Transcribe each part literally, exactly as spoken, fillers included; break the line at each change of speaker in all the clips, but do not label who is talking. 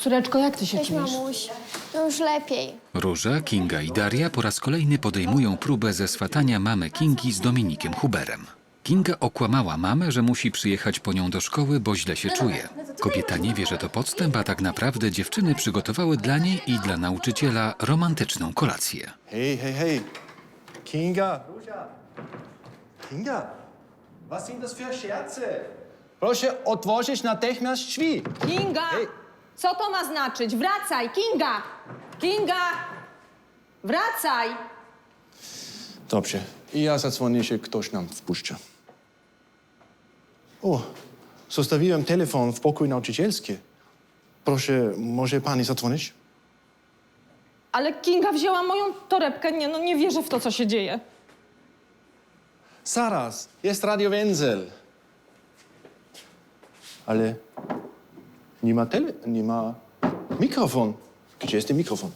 Córeczko, jak ty się
Cześć,
czujesz?
mamuś. No już lepiej.
Róża, Kinga i Daria po raz kolejny podejmują próbę zeswatania mamy Kingi z Dominikiem Huberem. Kinga okłamała mamę, że musi przyjechać po nią do szkoły, bo źle się czuje. Kobieta nie wie, że to podstęp, a tak naprawdę dziewczyny przygotowały dla niej i dla nauczyciela romantyczną kolację.
Hey, hey, hey. Kinga. Kinga, was sind das für Scherze? Proszę otworzyć natychmiast drzwi.
Kinga!
Ej.
Co to ma znaczyć? Wracaj, Kinga! Kinga! Wracaj!
Dobrze. I ja zadzwonię się, ktoś nam wpuszcza. O, zostawiłem telefon w pokoju nauczycielskim. Proszę, może pani zadzwonić?
Ale Kinga wzięła moją torebkę. Nie, no nie wierzę w to, co się dzieje.
Zaraz, jest Radio Wenzel. Ale nie ma tele, nie ma mikrofon. Gdzie jest ten mikrofon?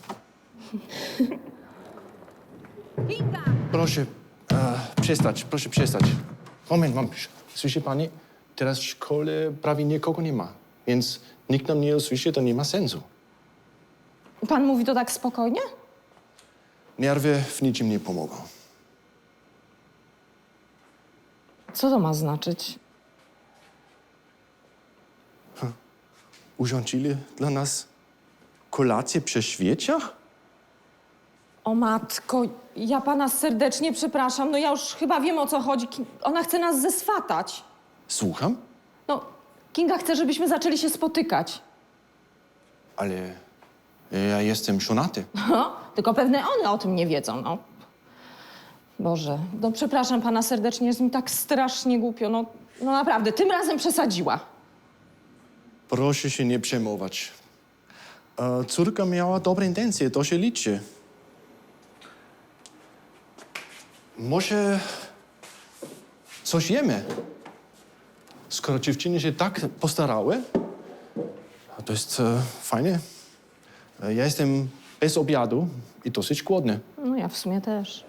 Kinga!
Proszę e, przestać, proszę przestać. Moment, mam. Słyszy pani? Teraz w szkole prawie nikogo nie ma. Więc nikt nam nie usłyszy, to nie ma sensu.
Pan mówi to tak spokojnie?
Nerwy w niczym nie pomogą.
Co to ma znaczyć?
Urządzili dla nas kolację przy świeciach?
O matko, ja pana serdecznie przepraszam. No ja już chyba wiem, o co chodzi. Ki- Ona chce nas zeswatać.
Słucham?
No, Kinga chce, żebyśmy zaczęli się spotykać.
Ale ja jestem żonaty.
No, tylko pewne one o tym nie wiedzą, no. Boże, no przepraszam pana serdecznie, jest mi tak strasznie głupio. No, no naprawdę, tym razem przesadziła.
Proszę się nie przejmować. E, córka miała dobre intencje, to się liczy. Może coś jemy? Skoro dziewczyny się tak postarały, to jest e, fajnie. E, ja jestem bez obiadu i dosyć głodny.
No ja w sumie też.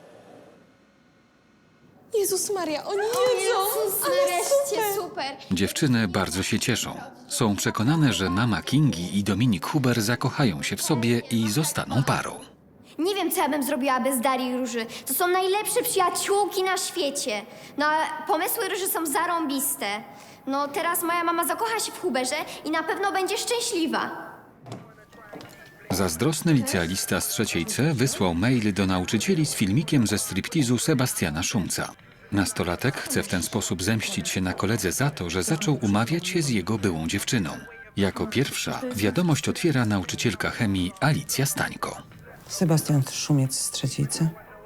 Jezus Maria, oni jedzą!
Jezus,
Ale
nareszcie,
super!
super.
Dziewczyny bardzo się cieszą. Są przekonane, że mama Kingi i Dominik Huber zakochają się w sobie i zostaną parą.
Nie wiem, co ja bym zrobiła bez Darii i Róży. To są najlepsze przyjaciółki na świecie. No, a pomysły Róży są zarąbiste. No, teraz moja mama zakocha się w Huberze i na pewno będzie szczęśliwa.
Zazdrosny licealista z trzeciej C wysłał mail do nauczycieli z filmikiem ze striptizu Sebastiana Szumca. Nastolatek chce w ten sposób zemścić się na koledze za to, że zaczął umawiać się z jego byłą dziewczyną. Jako pierwsza wiadomość otwiera nauczycielka chemii Alicja Stańko.
Sebastian Szumiec z trzeciej C.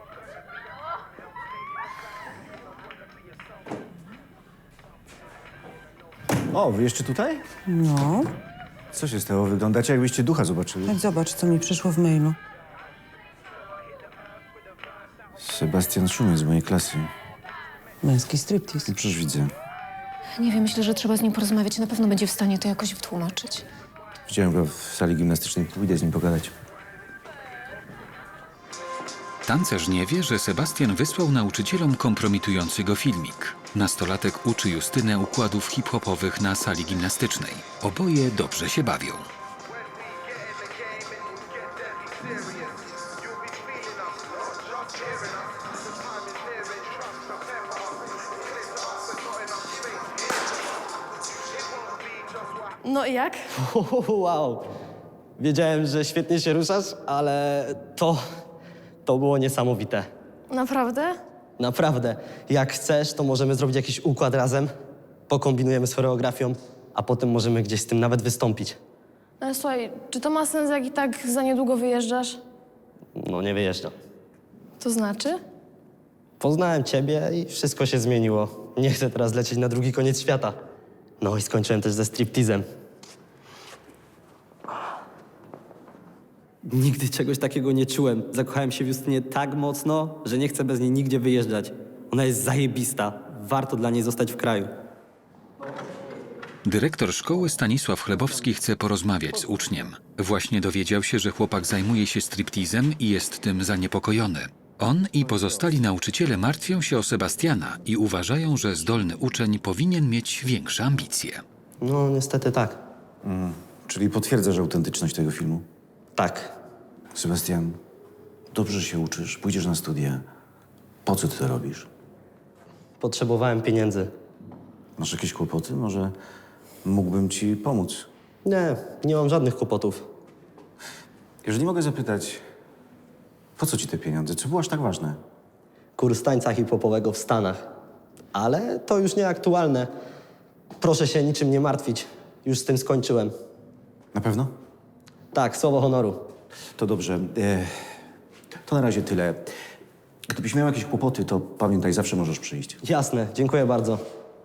O, wy jeszcze tutaj?
No,
Co się stało? Wyglądacie, jakbyście ducha zobaczyli.
tak zobacz, co mi przyszło w mailu.
Sebastian Szumiec z mojej klasy.
Męski striptease.
No przecież widzę.
Nie wiem, myślę, że trzeba z nim porozmawiać. Na pewno będzie w stanie to jakoś wytłumaczyć.
Widziałem go w sali gimnastycznej. Pójdę z nim pogadać.
Tancerz nie wie, że Sebastian wysłał nauczycielom kompromitujący go filmik. Nastolatek uczy Justynę układów hip-hopowych na sali gimnastycznej. Oboje dobrze się bawią.
No i jak?
Wow. Wiedziałem, że świetnie się ruszasz, ale to... to było niesamowite.
Naprawdę?
Naprawdę. Jak chcesz, to możemy zrobić jakiś układ razem, pokombinujemy z choreografią, a potem możemy gdzieś z tym nawet wystąpić.
Ale słuchaj, czy to ma sens, jak i tak za niedługo wyjeżdżasz?
No nie wyjeżdżam.
To znaczy?
Poznałem ciebie i wszystko się zmieniło. Nie chcę teraz lecieć na drugi koniec świata. No i skończyłem też ze striptizem. Nigdy czegoś takiego nie czułem. Zakochałem się w Justynie tak mocno, że nie chcę bez niej nigdzie wyjeżdżać. Ona jest zajebista. Warto dla niej zostać w kraju.
Dyrektor szkoły Stanisław Chlebowski chce porozmawiać z uczniem. Właśnie dowiedział się, że chłopak zajmuje się striptizem i jest tym zaniepokojony. On i pozostali nauczyciele martwią się o Sebastiana i uważają, że zdolny uczeń powinien mieć większe ambicje.
No niestety tak.
Czyli potwierdzasz autentyczność tego filmu?
Tak.
Sebastian, dobrze się uczysz, pójdziesz na studia. Po co ty to robisz?
Potrzebowałem pieniędzy.
Masz jakieś kłopoty? Może mógłbym ci pomóc?
Nie, nie mam żadnych kłopotów.
Jeżeli mogę zapytać, po co ci te pieniądze? Co było aż tak ważne?
Kurs tańca hip-hopowego w Stanach. Ale to już nieaktualne. Proszę się niczym nie martwić. Już z tym skończyłem.
Na pewno?
Tak, słowo honoru.
To dobrze. E, to na razie tyle. Gdybyś miał jakieś kłopoty, to pamiętaj, zawsze możesz przyjść.
Jasne, dziękuję bardzo.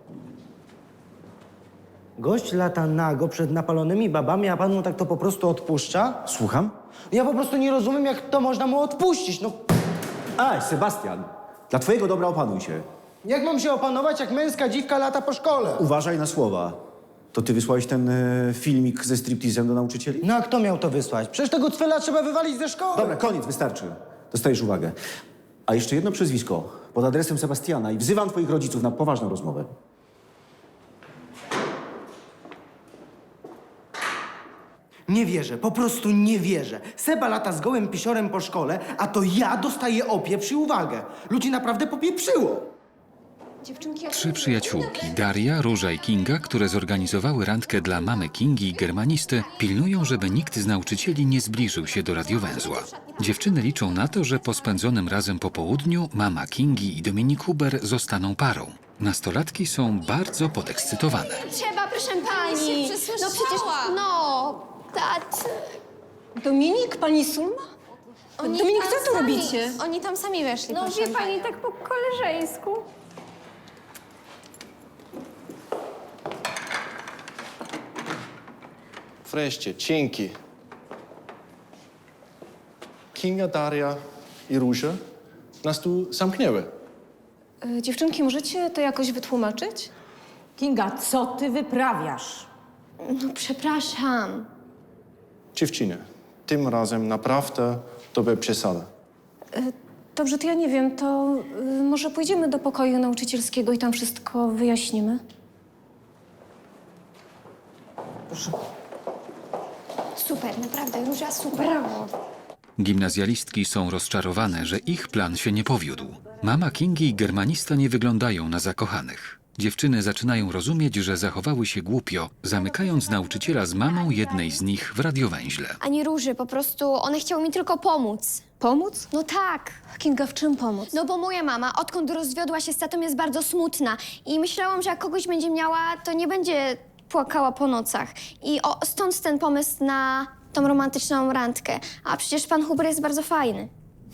Gość lata nago przed napalonymi babami, a pan mu tak to po prostu odpuszcza?
Słucham?
Ja po prostu nie rozumiem, jak to można mu odpuścić. No,
Aj, Sebastian, dla twojego dobra opanuj się.
jak mam się opanować, jak męska dziwka lata po szkole?
Uważaj na słowa. To ty wysłałeś ten e, filmik ze striptizem do nauczycieli?
No a kto miał to wysłać? Przecież tego cwela trzeba wywalić ze szkoły.
Dobra, koniec, wystarczy. Dostajesz uwagę. A jeszcze jedno przezwisko pod adresem Sebastiana i wzywam twoich rodziców na poważną rozmowę.
Nie wierzę, po prostu nie wierzę. Seba lata z gołym pisiorem po szkole, a to ja dostaję opieprz i uwagę. Ludzi naprawdę popieprzyło.
Trzy przyjaciółki, Daria, Róża i Kinga, które zorganizowały randkę dla mamy Kingi i germanisty, pilnują, żeby nikt z nauczycieli nie zbliżył się do radiowęzła. Dziewczyny liczą na to, że po spędzonym razem popołudniu mama Kingi i Dominik Huber zostaną parą. Nastolatki są bardzo podekscytowane.
Trzeba, proszę pani. No przecież, no, tacy.
Dominik, pani Sulma?
Oni
Dominik,
tam
co tu
sami-
robicie?
Oni tam sami weszli, no wie pani, tak po koleżeńsku.
Wreszcie, dzięki. Kinga, Daria i Róża nas tu zamknęły.
E, dziewczynki, możecie to jakoś wytłumaczyć?
Kinga, co ty wyprawiasz?
No przepraszam.
Dziewczyny, tym razem naprawdę to była przesada.
Dobrze, to ja nie wiem, to y, może pójdziemy do pokoju nauczycielskiego i tam wszystko wyjaśnimy?
Super, naprawdę, Róża, super. Brawo.
Gimnazjalistki są rozczarowane, że ich plan się nie powiódł. Mama Kingi i germanista nie wyglądają na zakochanych. Dziewczyny zaczynają rozumieć, że zachowały się głupio, zamykając nauczyciela z mamą jednej z nich w radiowęźle.
Ani Róży, po prostu one chciały mi tylko pomóc.
Pomóc?
No tak.
Kinga, w czym pomóc?
No bo moja mama, odkąd rozwiodła się z tatą, jest bardzo smutna. I myślałam, że jak kogoś będzie miała, to nie będzie płakała po nocach. I o, stąd ten pomysł na tą romantyczną randkę. A przecież pan Huber jest bardzo fajny.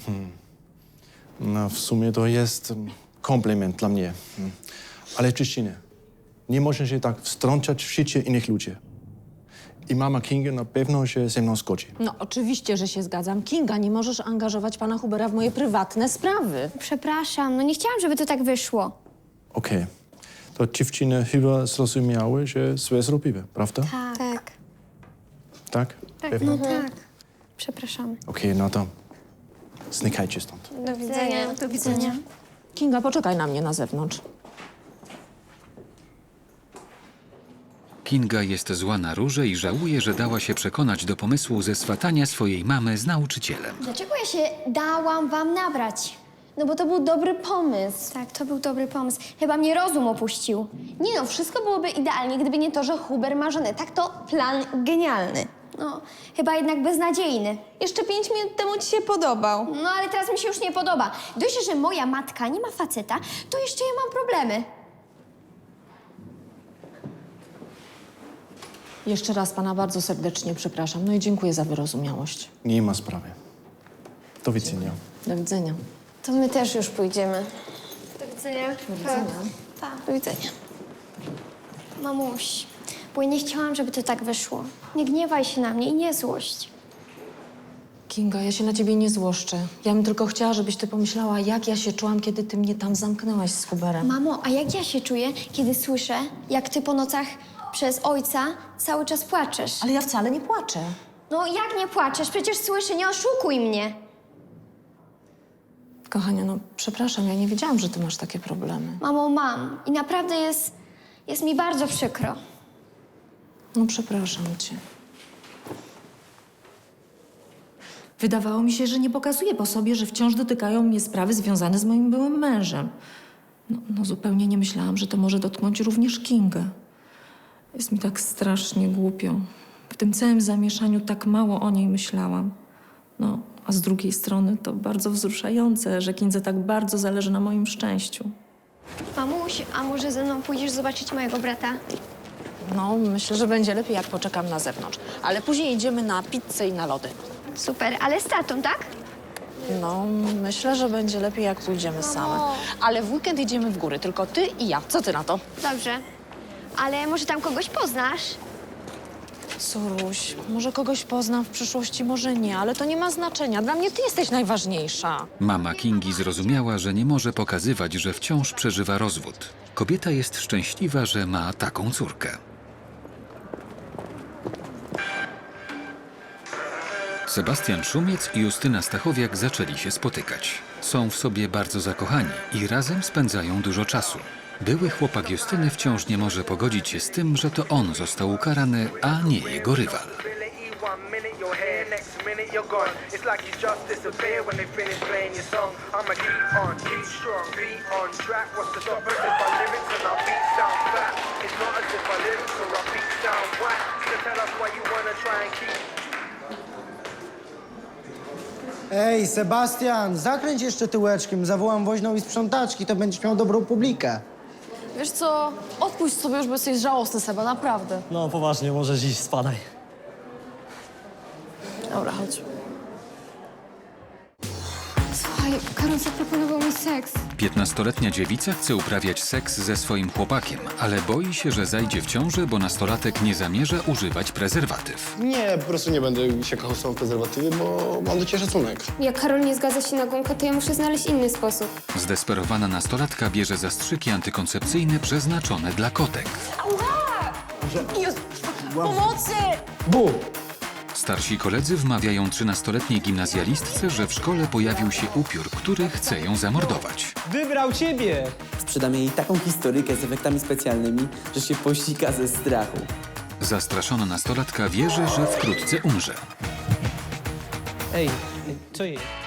No, w sumie to jest mm, komplement dla mnie. Mm. Ale dziewczyny, nie można się tak wtrącać w życie innych ludzi. I mama Kinga na pewno się ze mną zgodzi.
No oczywiście, że się zgadzam. Kinga, nie możesz angażować pana Hubera w moje prywatne sprawy.
Przepraszam, no nie chciałam, żeby to tak wyszło.
Okej. To dziewczyny chyba zrozumiały, że złe zrobiły, prawda?
Tak. Tak.
Tak?
tak.
Pewno?
No tak. Przepraszam.
Okej, no to znikajcie stąd.
Do widzenia. Do widzenia.
Kinga, poczekaj na mnie na zewnątrz.
Kinga jest zła na Różę i żałuje, że dała się przekonać do pomysłu zeswatania swojej mamy z nauczycielem.
Dlaczego ja się dałam wam nabrać?
No bo to był dobry pomysł.
Tak, to był dobry pomysł. Chyba mnie rozum opuścił.
Nie no, wszystko byłoby idealnie, gdyby nie to, że Huber ma żonę. Tak to plan genialny.
No, chyba jednak beznadziejny.
Jeszcze pięć minut temu ci się podobał.
No, ale teraz mi się już nie podoba. Dość, że moja matka nie ma faceta, to jeszcze ja mam problemy.
Jeszcze raz pana bardzo serdecznie przepraszam. No i dziękuję za wyrozumiałość.
Nie ma sprawy. Do widzenia.
Do widzenia.
To my też już pójdziemy.
Do widzenia.
Do widzenia.
Tak.
Do widzenia.
Mamuś, bo ja nie chciałam, żeby to tak wyszło. Nie gniewaj się na mnie i nie złość.
Kinga, ja się na ciebie nie złoszczę. Ja bym tylko chciała, żebyś ty pomyślała, jak ja się czułam, kiedy ty mnie tam zamknęłaś z Huberem.
Mamo, a jak ja się czuję, kiedy słyszę, jak ty po nocach przez ojca cały czas płaczesz?
Ale ja wcale nie płaczę.
No jak nie płaczesz? Przecież słyszę, nie oszukuj mnie.
Kochania, no przepraszam, ja nie wiedziałam, że ty masz takie problemy.
Mamo, mam. I naprawdę jest, jest mi bardzo przykro.
No przepraszam cię. Wydawało mi się, że nie pokazuje po sobie, że wciąż dotykają mnie sprawy związane z moim byłym mężem. No, no zupełnie nie myślałam, że to może dotknąć również Kingę. Jest mi tak strasznie głupio. W tym całym zamieszaniu tak mało o niej myślałam. No, a z drugiej strony to bardzo wzruszające, że Kindze tak bardzo zależy na moim szczęściu.
Mamuś, a może ze mną pójdziesz zobaczyć mojego brata?
No, myślę, że będzie lepiej, jak poczekam na zewnątrz. Ale później idziemy na pizzę i na lody.
Super, ale z tatą, tak?
No, myślę, że będzie lepiej, jak pójdziemy same. Ale w weekend idziemy w góry, tylko ty i ja. Co ty na to?
Dobrze. Ale może tam kogoś poznasz?
Suruś, może kogoś poznam w przyszłości, może nie, ale to nie ma znaczenia. Dla mnie ty jesteś najważniejsza.
Mama Kingi zrozumiała, że nie może pokazywać, że wciąż przeżywa rozwód. Kobieta jest szczęśliwa, że ma taką córkę. Sebastian Szumiec i Justyna Stachowiak zaczęli się spotykać. Są w sobie bardzo zakochani i razem spędzają dużo czasu. Były chłopak Justyny wciąż nie może pogodzić się z tym, że to on został ukarany, a nie jego rywal.
Ej, Sebastian, zakręć jeszcze tyłeczkiem, zawołam woźną i sprzątaczki, to będziesz miał dobrą publikę.
Wiesz co, odpuść sobie już, bo jesteś żałosny, Seba, naprawdę.
No poważnie, możesz iść, spadaj.
Dobra, chodź.
Słuchaj, Karol zaproponował mi seks.
Piętnastoletnia dziewica chce uprawiać seks ze swoim chłopakiem, ale boi się, że zajdzie w ciążę, bo nastolatek nie zamierza używać prezerwatyw.
Nie, po prostu nie będę się kochał z tą prezerwatywy, bo mam do ciebie szacunek.
Jak Karol nie zgadza się na gąkę, to ja muszę znaleźć inny sposób.
Zdesperowana nastolatka bierze zastrzyki antykoncepcyjne przeznaczone dla kotek.
Pomocy!
Bu!
Starsi koledzy wmawiają trzynastoletniej gimnazjalistce, że w szkole pojawił się upiór, który chce ją zamordować.
Wybrał ciebie!
Sprzedam jej taką historyjkę z efektami specjalnymi, że się posika ze strachu.
Zastraszona nastolatka wierzy, że wkrótce umrze.
Ej, co jej?